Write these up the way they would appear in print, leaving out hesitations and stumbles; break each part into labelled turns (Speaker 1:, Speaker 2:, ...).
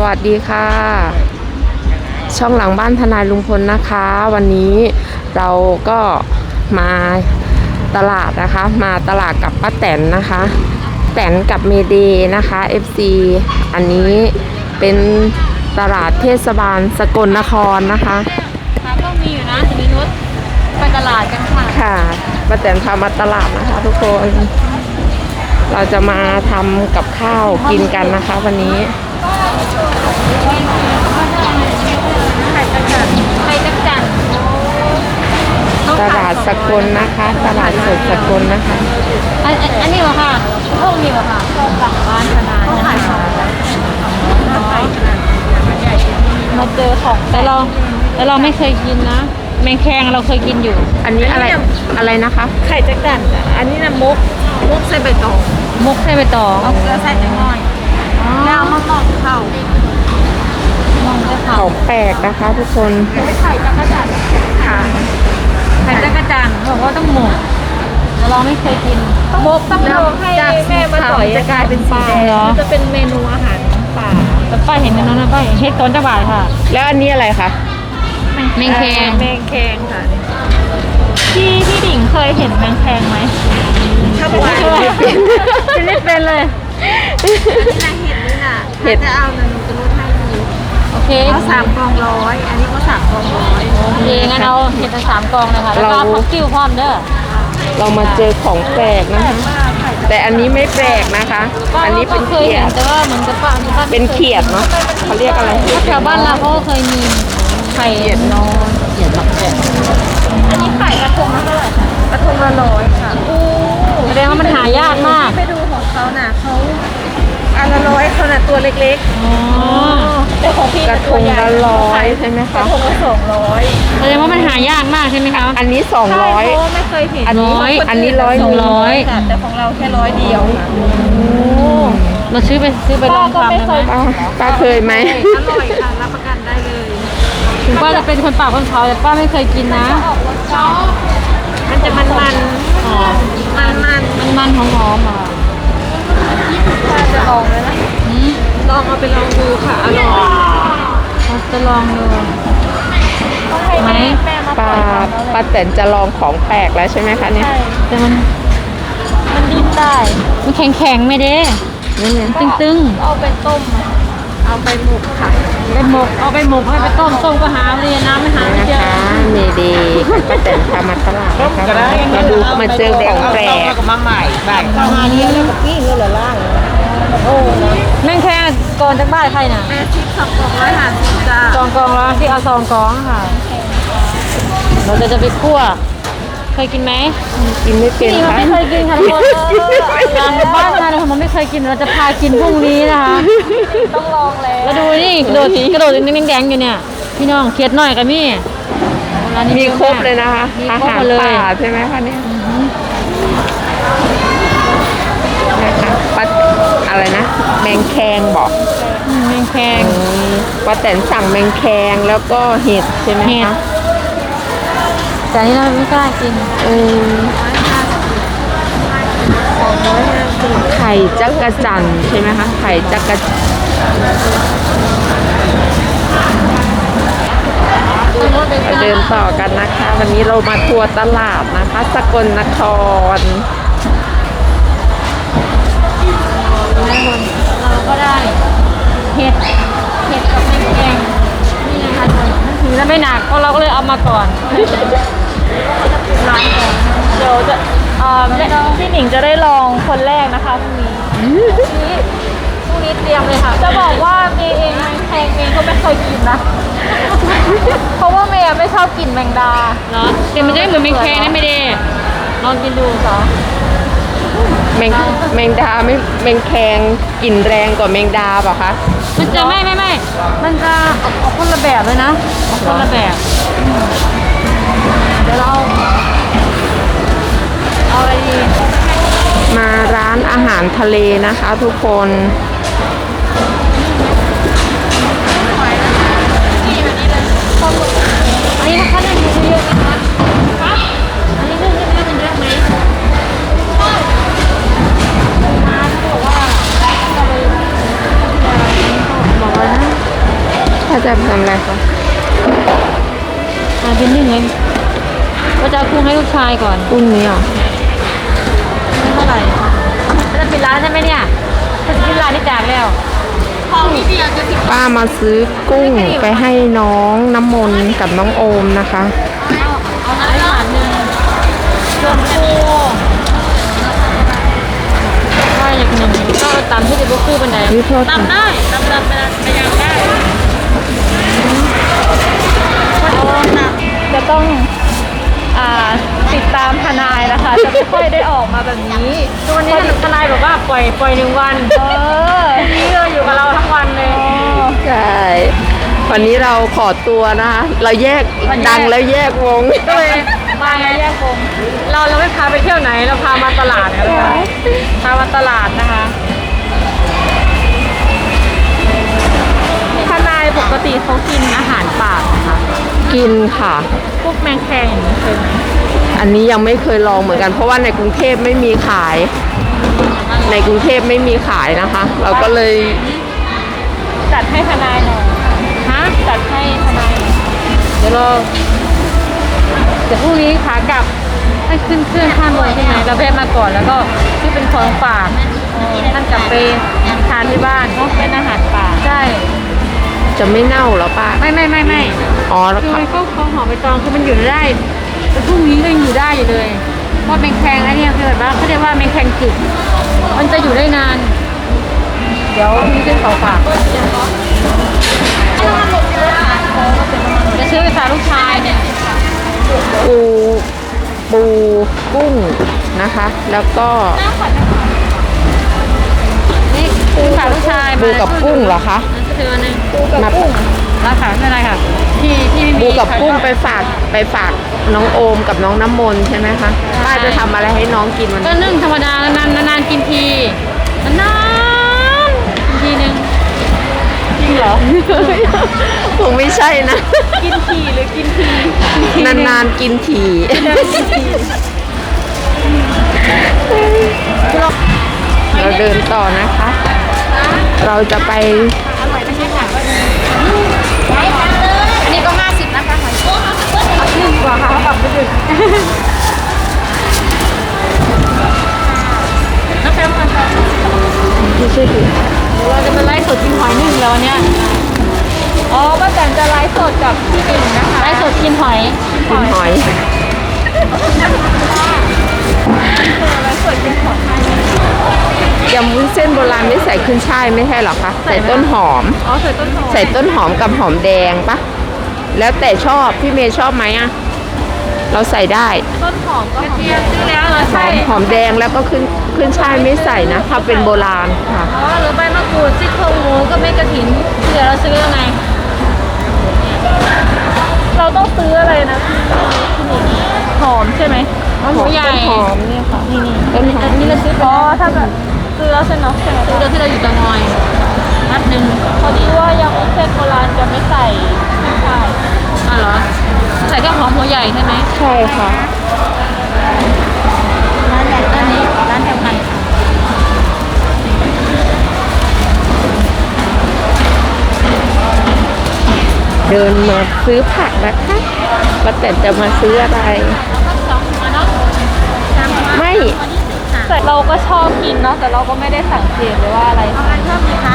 Speaker 1: วัสดีค่ะช่องหลังบ้านทนายลุงพลนะคะวันนี้เราก็มาตลาดนะคะมาตลาดกับป้าแตนนะคะแตนกับเมเดนะคะ FC อันนี้เป็นตลาดเทศบาลสกลนครนะคะ
Speaker 2: ค่ะก็มีอยู่นะจะมีรถไปตลาดกันค่ะ
Speaker 1: ค่ะป้าแตนพามาตลาดนะคะทุกคนเราจะมาทำกับข้าวกินกันนะคะวันนี้
Speaker 2: ไข่จักจั่น
Speaker 1: ตลาดสกลนะคะตลาดสดสกลนะคะ
Speaker 2: อันนี้เหรอค่ะพวกนี้เหรอค่ะพวกหลังบ้านขนาดนี้มาเจอของแต่เราไม่เคยกินนะแมงแคงเราเคยกินอยู่
Speaker 1: อันนี้อะไรนะคะ
Speaker 2: ไข่จักจั่นอันนี้นะมุกใส่ใบตองมุกใส่ใบตองเอาเกลือใส่จังหน่อยแล้วเอามาหมอกเข่า
Speaker 1: ของแปลกนะคะทุกคน
Speaker 2: ไข่จักจั่นค่ะไข่จักจั่นบอกว่าต้องหมกแต่เราไม่เคยกินหมกต้องลองให้แม่มาสอยจะกลายเป็นสีแดงจะเป็นเมนูอาหารป่าแต่ป้าเห็นในนั้นนะป้าเห็นเฮ็ดต้นจักรบาทค่ะ
Speaker 1: แล้วอันนี้อะไรคะ
Speaker 2: แมงแคงค่ะพี่ดิ่งเคยเห็นแมงแคงไหมถ้าไม่เคยจะไม่เป็นเลย
Speaker 1: เห็ด
Speaker 2: จะเอาหนูจะรู้ให้ดูโอเคเขา3 กอง 100อันนี้ก็3 กอง 100โอเคงั้นเอาเห็ด3 กองเลยค่ะแล้วก็พักกิ้วพร้อมเด้อ
Speaker 1: เรามาเจอของแปลกนะคะแต่อันนี้ไม่แปลกนะคะอันนี้เป็นเขียด
Speaker 2: แต่ว่าเหมือนกับ
Speaker 1: เป็นเขียดเนาะเขาเรียกอะไร
Speaker 2: แถวบ้านเราเขาเคยมีไข่เขียดนอนเขียดมักแกะอันนี้ไข่กระทงละเท่าไหร่กระทงละ100ค่ะแสดงว่ามันหายากมากไปดูของเขาน่ะเขาอันละ100เขาน่ะตัวเล็กๆแต่ของพี่
Speaker 1: กระทงละ100ใช่ไหมคะ
Speaker 2: กระทงละ200แสดงว่ามันหายากมากใช่ไหมคะ
Speaker 1: อันนี้200
Speaker 2: ไม่เคยเห็น
Speaker 1: อันนี้
Speaker 2: 100แต่ของเราแค่100เดียวเราซื้อไปลองทำได้ไหม
Speaker 1: ป้าเคยไหม
Speaker 2: อร่อยค่ะรับประกันได้เลยถึงป้าจะเป็นคนปากคนเขาแต่ป้าไม่เคยกินนะมันจะมันหอมอ่ะป้าจะลองเลยนะลองเอาไปลองดูค่ะอร่อยจะลองดูไหม
Speaker 1: ป้าแตนจะลองของแปลกแล้วใช่ไหมคะเนี่ย
Speaker 2: แต่มันดิ้นได้มันแข็งไม่ได้ตึงเอาไปต้มเอาไปหมกค่ะเอาไปหมกให้ไปต้มก็หาเลยน้ำไม่หาไม่เจอ
Speaker 1: เมดีป้าแตนพามาตลาดมาดูมาเจอของแปลก
Speaker 2: มาใหม่มาเนี้ยแล้วก็ปิ้งเลยล่างโอ้แม่งแค่ก่อนจากบ้านใครน่ะ2 กอง150จ้า2 กองแล้วที่เอา2 กองค่ะเราจะไปคั่วเคยกินไหม
Speaker 1: กินไม่เป็น
Speaker 2: ค่ะไม่เคยกินค่ะทุกคนร้านบ้านงานเราไม่เคยกินเราจะพากินพรุ่งนี้นะคะต้องลองแล้วดูนี่กระโดดแดงอยู่เนี่ยพี่น้องเคียดหน่อยกับมี่
Speaker 1: มีครบเลยนะคะอาหารป่าใช่ไหมคะเนี่ยนะคะป้าอะไรนะแมงแคงบอก
Speaker 2: แมงแคง
Speaker 1: ป้าแตนสั่งแมงแคงแล้วก็เห็ดใช่ไหมคะ
Speaker 2: แต่นี่เราไม่กล้ากิน
Speaker 1: ไข่จักรจั่นใช่ไหมคะไข่จักรเดินต่อกันนะคะวันนี้เรามาทัวร์ตลาดนะคะสกลนคร
Speaker 2: เราก็ได้เห็ดกับแมงแคงนี่นะคะถือแล้วไม่หนักเพราะเราก็เลยเอามาก่อนร้านก่อนเดี๋ยวจะพี่หนิงจะได้ลองคนแรกนะคะพรุ่งนี้เตรียมเลยค่ะจะบอกว่าเมย์เองแมงแคงเมย์ก็ไม่เคยกินนะเพราะว่าเมย์ไม่ชอบกินแมงดาเนาะแต่มันจะเหมือนแมงแคงนะไม่ได้ลองกินดูค่ะ
Speaker 1: แมงดาไม่แมงแคงกลิ่นแรงกว่าแมงดาเปล่าคะ
Speaker 2: มันจะไม่มันจะออกคนละแบบเลยนะออกคนละแบบเดี๋ยวเราเอาอะไรดี
Speaker 1: มาร้านอาหารทะเลนะคะทุกคน
Speaker 2: อันนี้นะคะนึ่งเยอะๆนะคะอันนี้นึ่งเยอะๆเยอะไหมบอกว่า
Speaker 1: ถ้าจะทำอะไรคะ
Speaker 2: เป็นหนึ่งเลยก็จะเอากุ้งให้ลูกชายก่อน
Speaker 1: กุ้งนี้เหรอ
Speaker 2: ไม่เท่าไหร่จะปิดร้านใช่ไหมเนี่ยจะปิดร้านที่จากแล้วของนี่เดียวจะปิด
Speaker 1: ป้ามาซื้อกุ้งไปให้น้องน้ำมนต์กับน้องโอมนะคะ
Speaker 2: เอาน้ำหวานหนึ่งส่วนปูก็อย่างหนึ่งก็ตำที่จะบุคู่เป็นไหน
Speaker 1: วิโทษ
Speaker 2: ตำได้ตำไปยังได้จะต้องติดตามทนายนะคะ จะไม่ค่อยได้ออกมาแบบนี้ทุกวันนี้ทนายบอกว่าปล่อย1 วันนี่เราอยู่กับเราทั้งวันเลย
Speaker 1: ใช่วันนี้เราขอตัวนะคะ เราแยกดังแล้วแยกวง
Speaker 2: ก็เลยมาไงแยกวงเราไม่พาไปเที่ยวไหนเราพามาตลาดกันนะคะพามาตลาดนะคะทนายปกติเขากินอาหารป่านะคะ
Speaker 1: กินค่ะ
Speaker 2: พวกแมงแคงอย่างนี้เคยไหม
Speaker 1: อันนี้ยังไม่เคยลองเหมือนกัน เพราะว่าในกรุงเทพไม่มีขาย ในกรุงเทพไม่มีขายนะคะ เราก็เลย
Speaker 2: จัดให้ทนายหน่อยฮะจัดให้ทนายหน่อยเดี๋ยวพรุ่งนี้ขากลับให้ขึ้นเครื่องข้ามเมืองใช่ไหมเราแวะมาก่อนแล้วก็ที่เป็นของฝากท่านกลับไปทานที่บ้านเนาะเป็นอาหารป่าใช่
Speaker 1: จะไม่เน่าเหรอป้า
Speaker 2: ไม่
Speaker 1: อ๋อแล้ว
Speaker 2: คือ
Speaker 1: ค่ะ
Speaker 2: มันก็ของหอมใบตองคือมันอยู่ได้แต่พรุ่งนี้ก็ยังอยู่ได้อยู่เลยเพราะแมงแคงไอ้เนี่ยคือแบบว่าเขาเรียกว่าแมงแคงกึกมันจะอยู่ได้นาน เดี๋ยวมีเส้นของฝากจะซื้อไปฝากลูกชายเนี่ย
Speaker 1: ปูกุ้งนะคะ แล้วก็
Speaker 2: นี่ซื้อฝากลูกชาย
Speaker 1: ปูกับกุ้งเหรอคะ
Speaker 2: ก็ถืออันนึงปูกับกุ้งราคาไม่เป็นไรค่ะที่ไม่มี
Speaker 1: ปูกับกุ้งไปฝากน้องโอมกับน้องน้ำมนต์ใช่ไหมคะป้าจะทำอะไรให้น้องกินวัน
Speaker 2: ก็
Speaker 1: นี้
Speaker 2: นึ่งธรรมดานานๆกินทีนานๆกินทีนึงจริงเหรอ
Speaker 1: คงไม่ใช่นะ
Speaker 2: กินทีหรือกินที
Speaker 1: นานๆกินที เราเดินต่อนะคะ เราจะไป
Speaker 2: อร่อยไม่ใช่ค่ะอันนี้ก็50นะคะหอยขึ้นกว่าค่ะเขาปรับไปดึกน้ำแข็งค่ะ
Speaker 1: ที่ชื่อถือ
Speaker 2: เราจะมาไลฟ์สดกินหอยนึ่งแล้วเนี่ยอ๋อป้าแตนจะไลฟ์สดกับพี่หนึ่งนะคะไลฟ์สดกินหอย
Speaker 1: กินหอย
Speaker 2: ไลฟ์สดกินหอย
Speaker 1: ยำวุ้นเส้นโบราณไม่ใส่ขึ้นช่ายไม่ใช่หรอคะ ใส่ต้นหอม
Speaker 2: อ๋อใส่ต้นหอม
Speaker 1: ใส่ต้นหอมกับหอมแดงปะแล้วแต่ชอบพี่เมย์ชอบไหมอะเราใส่ได้
Speaker 2: ต้นหอมก็หอมซื้อแล้วเหรอ
Speaker 1: ห
Speaker 2: ใช่
Speaker 1: อมหอมแดงแล้วก็ขึ้นช่ายไม่ใส่นะถ้าเป็นโบราณค่ะ
Speaker 2: อ๋อหรือใบมะกรูดซี่โครงหมูก็ไม่กระถินเดี๋ยวเราซื้อยังไงเราต้องซื้ออะไรนะหอมใช่ไหมหัวใหญ่
Speaker 1: ต้นหอมเนี่ยค่ะ
Speaker 2: นี่
Speaker 1: ต้นหอม
Speaker 2: อันนี้เราซื้ออ๋อถ้าแบบซื้อแล้วใช่ไหมซื้อแล้วที่เราอยู่ตะงอยมัดหนึ่งพอดีว่ายำวุ้นเส้นโบราณจะไม่ใส่ไม่ใส่อ๋อเหรอใส่แค่หอมหัวใหญ่ใช่ไหม
Speaker 1: ใช่ค่ะ
Speaker 2: ร้านแบบนี้ร้านเดียวกัน
Speaker 1: เดินมาซื้อผักนะคะป้าแต่จะมาซื้ออะไร
Speaker 2: แล้วก็2 หัวเนาะ3 หัว
Speaker 1: ไม่
Speaker 2: แต่เราก็ชอบกินเนาะแต่เราก็ไม่ได้สังเกตเลยว่าอะไรเอาอะไรชอบดีคะ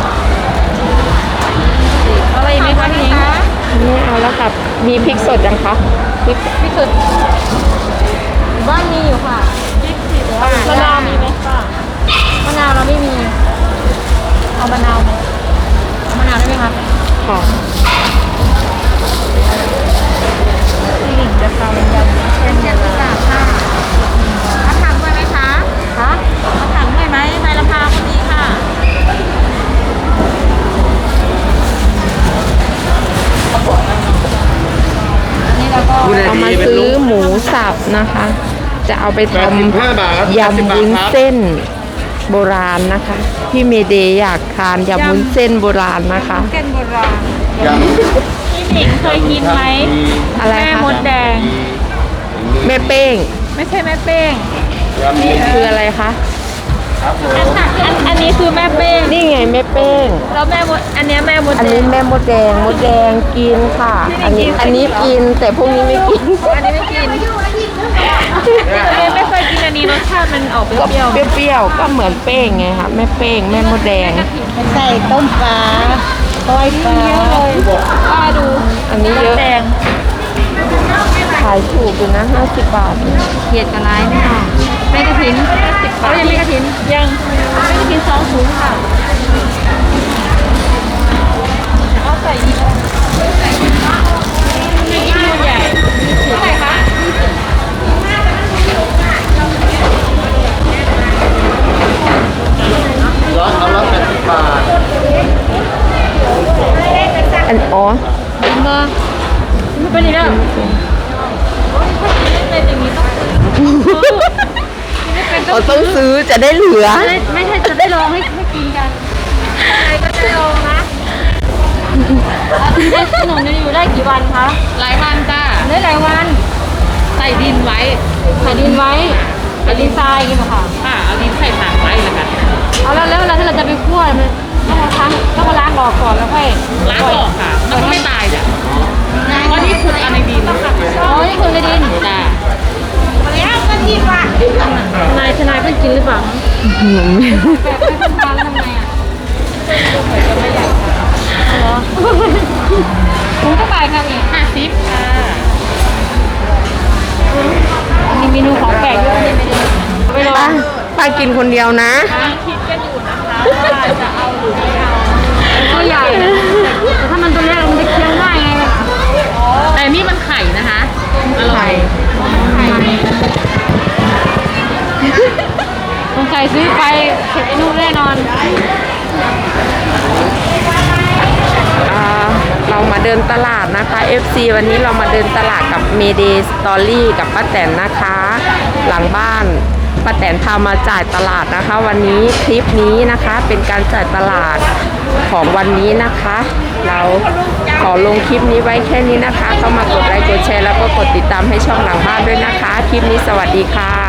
Speaker 2: อะไรอีกไหมคะพี่นิ้ง
Speaker 1: ไม่เอาแล้วกับมีพริกสดยังคะพริก
Speaker 2: พี่สุดบ้านมีอยู่ค่ะมะนาวมีไหมป้ามะนาวเราไม่มีเอามะนาวไหมเอามะนาวได้ไหมคะ
Speaker 1: ค่ะ
Speaker 2: พี่หญิงจะทำยำเป็น70 บาทค่ะมาถังด้วยไหมคะคะมาถังด้วยไหมในราคาก็ดีค่ะอันนี้เราก็
Speaker 1: เอามาซื้อหมูสับนะคะ จะเอาไปท
Speaker 3: 85 บาทครับ
Speaker 1: ำยำวุ้นเส้นโบราณนะคะ พี่เมเดย์อยากทานยำวุ้นเส้นโบราณนะคะ
Speaker 2: เส้นโบราณ
Speaker 3: ยำ
Speaker 2: พี่หนิงเคยกินไหม
Speaker 1: อะไร
Speaker 2: แม่
Speaker 1: คะ
Speaker 2: มดแดง
Speaker 1: แม่เป้ง
Speaker 2: ไม่ใช่แม่เป้ง
Speaker 3: ยำ
Speaker 1: คืออะไรคะ
Speaker 2: อันนี้คือแม่เป้ง
Speaker 1: นี่ไงแม่เป้ง
Speaker 2: แล้วแม่มดอันเนี้ยแม่มด
Speaker 1: อัน
Speaker 2: แด
Speaker 1: นี้
Speaker 2: ง
Speaker 1: แม่มดแดงกินค่ะ อันนี้กินแต่พวกนี้ไม่กิน
Speaker 2: อันนี้ไม่กินไม่เคยกินอันนี้รสชาติมันออกเป
Speaker 1: ก็
Speaker 2: รี้ยว
Speaker 1: เปรี้ยวๆก็เหมือนเป้งไงคะแม่เป้งแม่มดแดง
Speaker 2: ใส่ต้มปลาต้อยปลาเยอะเลยป้าดู
Speaker 1: อันนี้เยอะ
Speaker 2: แดง
Speaker 1: ขายถูกอยู่นะ50 บาท
Speaker 2: เขียดกับร้ายไม่ออกแม่กระถิน10 บาทยังไม่กระถินยังแม่กระถิน2 ถุงค่ะเอาใส่อีกนี่กินใหญ่เท่าไหร่คะ
Speaker 3: ร้อยเอา180 บาท
Speaker 1: อันอ๋อ
Speaker 2: กินมาไม่เป็นไรแล้วถ้ากินอย่างนี้ต้อง
Speaker 1: ต้องซื้อจะได้เหลือ
Speaker 2: ไม่ใช่จะได้ลองให้กินกันอะไรก็จะลองนะขนมนี้อยู่ได้กี่วันคะ
Speaker 4: หลายวันจ้า
Speaker 2: ได้หลายวัน
Speaker 4: ใส่ดินไว้
Speaker 2: ใส่ดินไว้ใส่ดินทรายกินเหรอคะ
Speaker 4: ค่ะเอาดินใส่ถังไว้แล้วกัน
Speaker 2: เอาแล้วเวลาที่เราจะไปคั่วมันต้องมาล้างออกก่อนแล้วค่อย
Speaker 4: ล้างออกค่ะ มันก็ไม่ตายจ้ะเพราะนี่คืออันในดิน
Speaker 2: อ๋อนี่คือในดิน
Speaker 4: จ้า
Speaker 2: แล้วก็ที่ปะทนายเพิ่งกินหรือเปล่าแบบไม่ทำทานแล้วทำไงอ่ะเหรอผมก็ไปครับนี่
Speaker 4: 50ค่ะ
Speaker 2: มีเมนูของแปลกเยอะนี่ไม่ลอง
Speaker 1: ป้ากินคนเดียวนะ
Speaker 4: กำลังคิดกันอยู่นะคะว่าจะเอาหรือไม่เอา
Speaker 2: ตัวใหญ่แต่ถ้ามันตัวเล็กมันจะเคี้ยวง่ายไง
Speaker 4: แต่นี่มันไข่นะคะ อร่อย
Speaker 2: สงสัยซื้อไปเก็บไอ้นู่นแน่นอน
Speaker 1: เรามาเดินตลาดนะคะ FC วันนี้เรามาเดินตลาดกับ Mayday Story กับป้าแตนนะคะ หลังบ้านป้าแตนพามาจ่ายตลาดนะคะ วันนี้คลิปนี้นะคะเป็นการจ่ายตลาดของวันนี้นะคะ เราขอลงคลิปนี้ไว้แค่นี้นะคะเข้ามากดไลค์กดแชร์แล้วก็กดติดตามให้ช่องหลังบ้านด้วยนะคะ คลิปนี้สวัสดีค่ะ